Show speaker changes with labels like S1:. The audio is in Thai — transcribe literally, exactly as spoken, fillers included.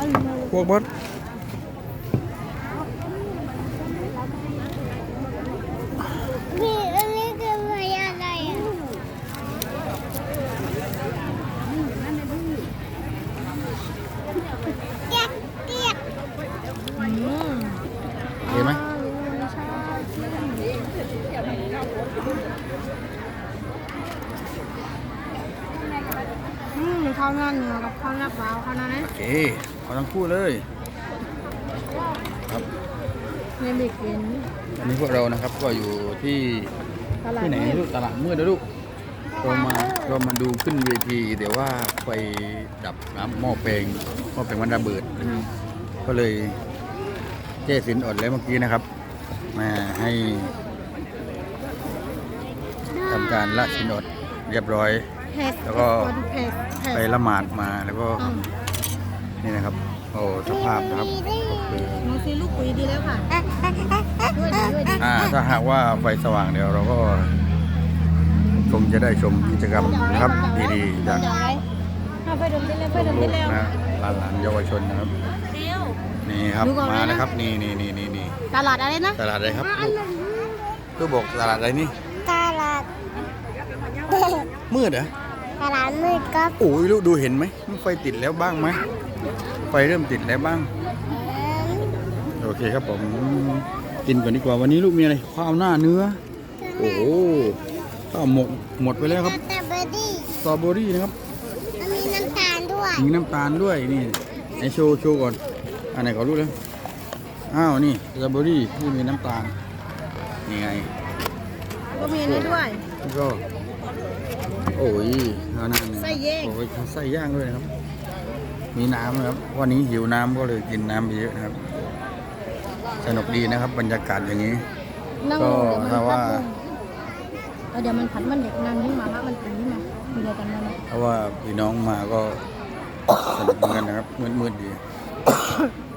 S1: พวกบด
S2: นี่อันนี้คืออะไรอ่ะเกี๊ยกเกี๊ยก
S1: เห็นไหม
S3: อืมข้าวหน้าเนื้อกับข้าวหน้าเปล่าข้าวหน้านั้น
S1: โอเคเอาทั้งคู่เลยครับ
S3: ในบิ๊กเป็น
S1: อันนี้พวกเรานะครับก็อยู่ที่
S3: ตลาด
S1: ที่ไหนลูกตลาดมืดนะลูกเรามาเรามาดูขึ้นเวทีแต่ว่าไฟดับน้ำหม้อแปลงหม้อแปลงมันระเบิด ก็เลยเจ๊สินอดแล้วเมื่อกี้นะครับ มาให้ทำการละสินอดเรียบร้อย
S3: เผ็ด
S1: แล้วก็
S3: เผ็ดเผ็ด
S1: ไปละหมาดมาแล้วก็
S3: อืม
S1: นี่นะครับโอ้สภาพนะครับก็คือ
S3: น้องซีลูกปุ๋ยดีแล้วค่ะด้วยดีด้วยดี
S1: อ่าถ้าหากว่าไฟสว่างเดี๋ยวเราก็คงจะได้ชมกิจกรรมนะครับดีๆจาก
S3: เอาไว้เอาไปดมได้แล้วไปดม
S1: ลู
S3: ได้
S1: ก
S3: แล้ว
S1: ๆนะหลานๆเยาวชนนะครับ
S3: เร็ว
S1: นี่ครับ
S3: ดูก่อน
S1: มา
S3: เลยนะ
S1: นะครับนี่นี่นี่นี่นี่
S3: ตลาดอะไรนะ
S1: ตลาดอะไรครับลูกลูกบอกตลาดอะไรนี่
S2: ตลาด
S1: มืดเหรอ
S2: ตลาดมืดครับ
S1: โอ้ยลูกดูเห็นไหมมันไฟติดแล้วบ้างไหมไฟเริ่มติดแล้วบ้างโอเคครับผมกินก่อนดีกว่าวันนี้ลูกมีอะไรข้าวหน้าเนื้อโอ้โหข้าวหมกหมดไปแล้วครับ
S2: สตรอเบอรี่
S1: สตรอเบอรี่นะครับ
S2: มันมีน้ำตาลด้วย
S1: มีน้ำตาลด้วยนี่ไอโชว์โชว์ก่อนอันไหนขอรู้เลยอ้าวนี่สตรอเบอรี่ที่มีน้ำตาลนี่ไง
S3: ก็มีอันนี้ด้วย
S1: แล้วก็โอ้ยข้าวหน้าเนื้อ
S3: ไส้แยก
S1: โอ้ยไส้ย่างด้วยนะครับ มีน้ำนะครับวันนี้หิวน้ำก็เลยกินน้ำไปเยอะนะครับ สนุกดีนะครับบรรยากาศอย่างนี้
S3: นั่ง
S1: ก็
S3: เดี๋ยวมัน
S1: ถ้าว่า
S3: พัดลงเดี๋ยวมันผัดมันเด็กนั่งขึ้นมาละมันตื่นขึ้นมามีอะไรกันไหมนะ
S1: เพราะว่าพี่น้องมาก็สนุกเหมือนกันนะครับมืดๆดี